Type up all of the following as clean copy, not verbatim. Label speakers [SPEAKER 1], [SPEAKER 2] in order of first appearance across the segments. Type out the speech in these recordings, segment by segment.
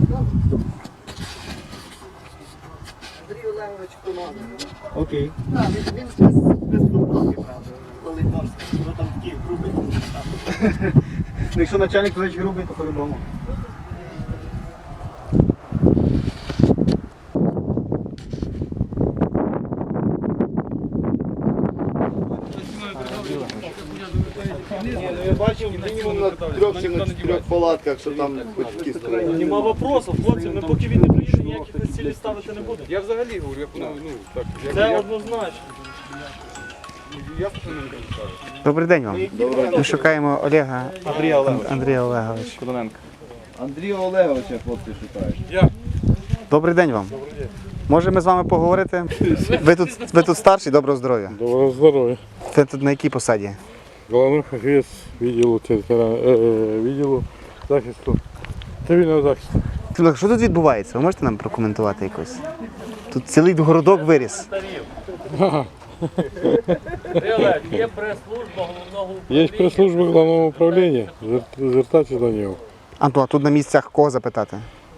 [SPEAKER 1] Андрій Олегович Кононов.
[SPEAKER 2] Окей.
[SPEAKER 1] Так, він без футболки, правда, волейборський. Воно там такий грубий.
[SPEAKER 2] Ну, якщо начальник дуже грубий, то по-любому.
[SPEAKER 3] Я бачив мінімум на 3 чи на 4 палатках, що там батьки стоять.
[SPEAKER 4] Нема вопросів, хлопці, ми поки він не приїде, ніяких на цілі ставити не будемо.
[SPEAKER 5] Я взагалі говорю, так.
[SPEAKER 4] Це однозначно.
[SPEAKER 5] Я не кажу.
[SPEAKER 6] Добрий день вам. Ми шукаємо Олега Андрія Олеговича.
[SPEAKER 5] Кудоненко.
[SPEAKER 3] Андрія Олеговича хлопці шукають.
[SPEAKER 6] Добрий день вам. Може ми з вами поговорити? Ви тут старший, доброго здоров'я.
[SPEAKER 7] Доброго здоров'я.
[SPEAKER 6] Ви тут на якій посаді?
[SPEAKER 7] Головний фахівець відділу захисту, цивільного захисту.
[SPEAKER 6] Що тут відбувається? Ви можете нам прокоментувати якось? Тут цілий городок виріс.
[SPEAKER 4] Є прес-служба головного
[SPEAKER 7] Є прес-служба головного управління, звертайтеся до нього.
[SPEAKER 6] А тут на місцях кого запитати?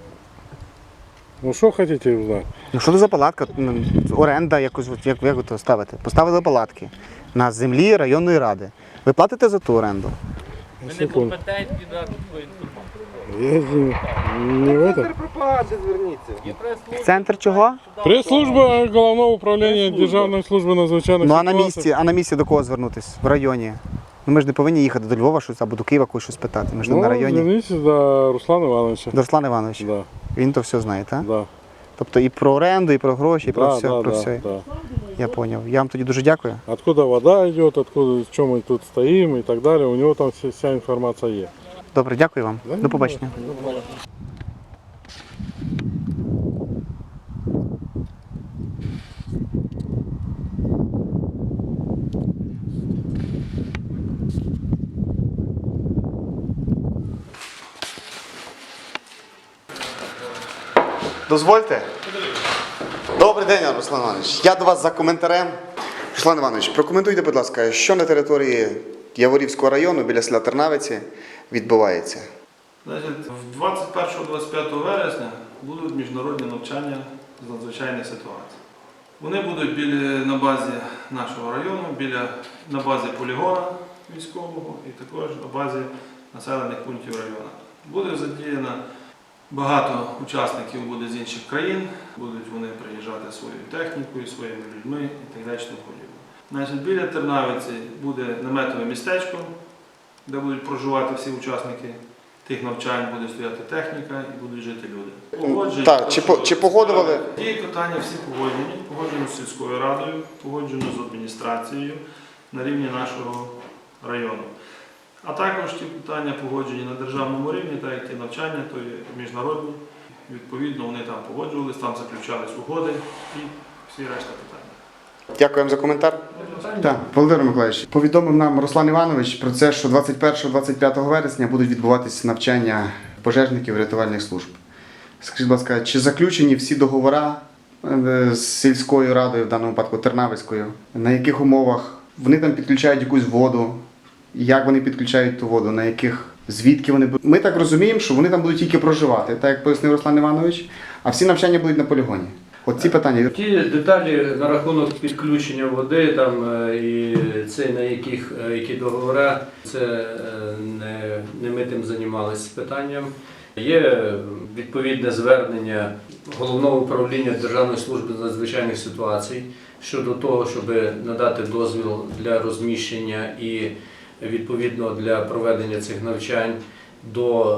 [SPEAKER 7] Ну що хочете узнати?
[SPEAKER 6] Ну що це за палатка? Оренда якось, як ви то ставите? Поставили палатки на землі районної ради. Ви платите за ту оренду?
[SPEAKER 4] Ми не компетентні дати таку інформацію.
[SPEAKER 7] Я не в этом.
[SPEAKER 3] Пропаганди зверніться.
[SPEAKER 4] Є прес-служба.
[SPEAKER 6] Центр чого?
[SPEAKER 7] Прес-служба головного управління Державної служби надзвичайних
[SPEAKER 6] Ну
[SPEAKER 7] ситуацій.
[SPEAKER 6] а на місці до кого звернутися? В районі? Ну ми ж не повинні їхати до Львова щось або до Києва когось щось питати. Ми ж тут на районі.
[SPEAKER 7] Зверніться до Руслана Івановича.
[SPEAKER 6] До Руслана Івановича.
[SPEAKER 7] Да,
[SPEAKER 6] Він то все знає, так?
[SPEAKER 7] да.
[SPEAKER 6] Тобто і про оренду, і про гроші, і про все.
[SPEAKER 7] Да,
[SPEAKER 6] Про все.
[SPEAKER 7] да.
[SPEAKER 6] Я зрозумів. Я вам тоді дуже дякую.
[SPEAKER 7] Откуда вода идет, откуда, в чем мы тут стоим и так далее. У него там вся информация есть.
[SPEAKER 6] Добре, дякую вам. До побачення. Дозвольте. Добрий день, Руслан Іванович. Я до вас за коментарем. Руслан Іванович, прокоментуйте, будь ласка, що на території Яворівського району біля села Тернавиці відбувається?
[SPEAKER 8] Значить, 21-25 вересня будуть міжнародні навчання з надзвичайних ситуацій. Вони будуть на базі нашого району, на базі полігона військового і також на базі населених пунктів району. Буде задіяно багато учасників буде з інших країн, будуть вони приїжджати своєю технікою, своїми людьми і так далі. Значить, біля Тернавиці буде наметове містечко, де будуть проживати всі учасники тих навчань, буде стояти техніка і будуть жити люди.
[SPEAKER 6] Так, чи погодували?
[SPEAKER 8] Ті питання всі погоджені з сільською радою, погоджені з адміністрацією на рівні нашого району. А також ті питання погоджені на державному рівні, так як ті навчання, то є міжнародні. Відповідно, вони там погоджувалися, там заключались угоди і всі решта питань.
[SPEAKER 6] Дякуємо за коментар. Так, Володимир Миколаївич, повідомив нам Руслан Іванович про це, що 21-25 вересня будуть відбуватися навчання пожежників рятувальних служб. Скажіть, будь ласка, чи заключені всі договори з сільською радою, в даному випадку Тернавицькою? На яких умовах вони там підключають якусь воду? Як вони підключають ту воду? На яких? Звідки вони будуть? Ми так розуміємо, що вони там будуть тільки проживати, так як пояснив Руслан Іванович, а всі навчання будуть на полігоні. От ці питання.
[SPEAKER 9] Ті деталі на рахунок підключення води там і це на які договори, це не ми тим займалися питанням. Є відповідне звернення Головного управління Державної служби з надзвичайних ситуацій щодо того, щоб надати дозвіл для розміщення і відповідно для проведення цих навчань до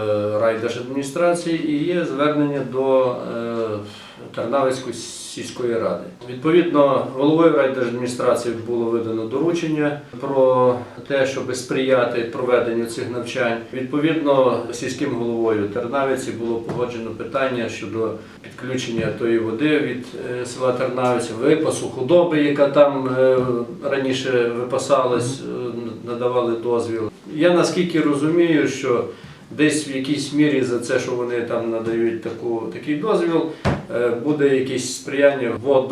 [SPEAKER 9] райдержадміністрації і є звернення до Тернавицької сільської ради. Відповідно, головою райдержадміністрації було видано доручення про те, щоб сприяти проведенню цих навчань. Відповідно, сільським головою Тернавиці було погоджено питання щодо підключення тої води від села Тернавиця, випасу худоби, яка там раніше випасалась, надавали дозвіл. Я наскільки розумію, що десь в якійсь мірі за це, що вони там надають такий дозвіл, буде якесь сприяння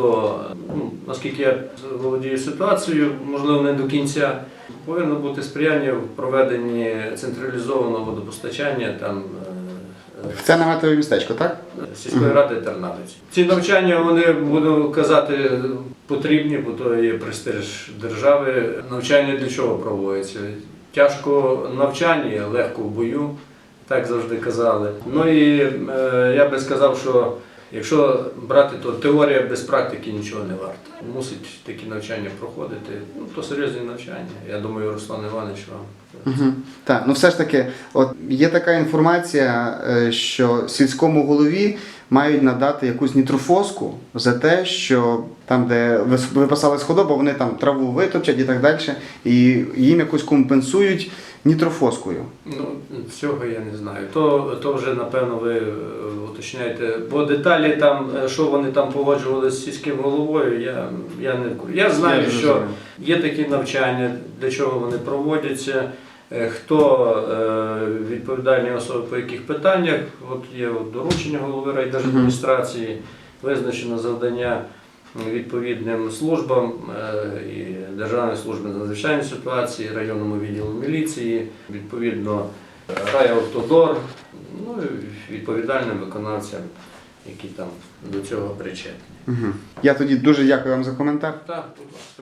[SPEAKER 9] наскільки я володію ситуацією, можливо не до кінця, повинно бути сприяння в проведенні централізованого водопостачання там
[SPEAKER 6] Це наметове містечко, так?
[SPEAKER 9] Сільської ради Тернавиці. Ці навчання, вони, буду казати, потрібні, бо то є престиж держави. Навчання для чого проводиться? Тяжко в навчанні, легко в бою, так завжди казали. Ну і я би сказав, що якщо брати, то теорія без практики нічого не варта. Мусить такі навчання проходити, ну то серйозні навчання. Я думаю, Руслан Іванович вам.
[SPEAKER 6] Так, ну все ж таки, от є така інформація, що сільському голові мають надати якусь нітрофоску за те, що там, де випасалась худоба, вони там траву витопчать і так далі, і їм якось компенсують нітрофоскою.
[SPEAKER 9] Ну, цього я не знаю. То вже, напевно, ви уточняєте. Бо деталі там, що вони там погоджували з сільським головою, я не в курсі. Я знаю, що є такі навчання, для чого вони проводяться, хто відповідальні особи по яких питаннях. От є доручення голови райдержадміністрації, визначено завдання відповідним службам і Державної служби з надзвичайної ситуації, районному відділу міліції, відповідно райавтодор, ну і відповідальним виконавцям, які там до цього причетні.
[SPEAKER 6] Я тоді дуже дякую вам за коментар.
[SPEAKER 9] Так, будь ласка.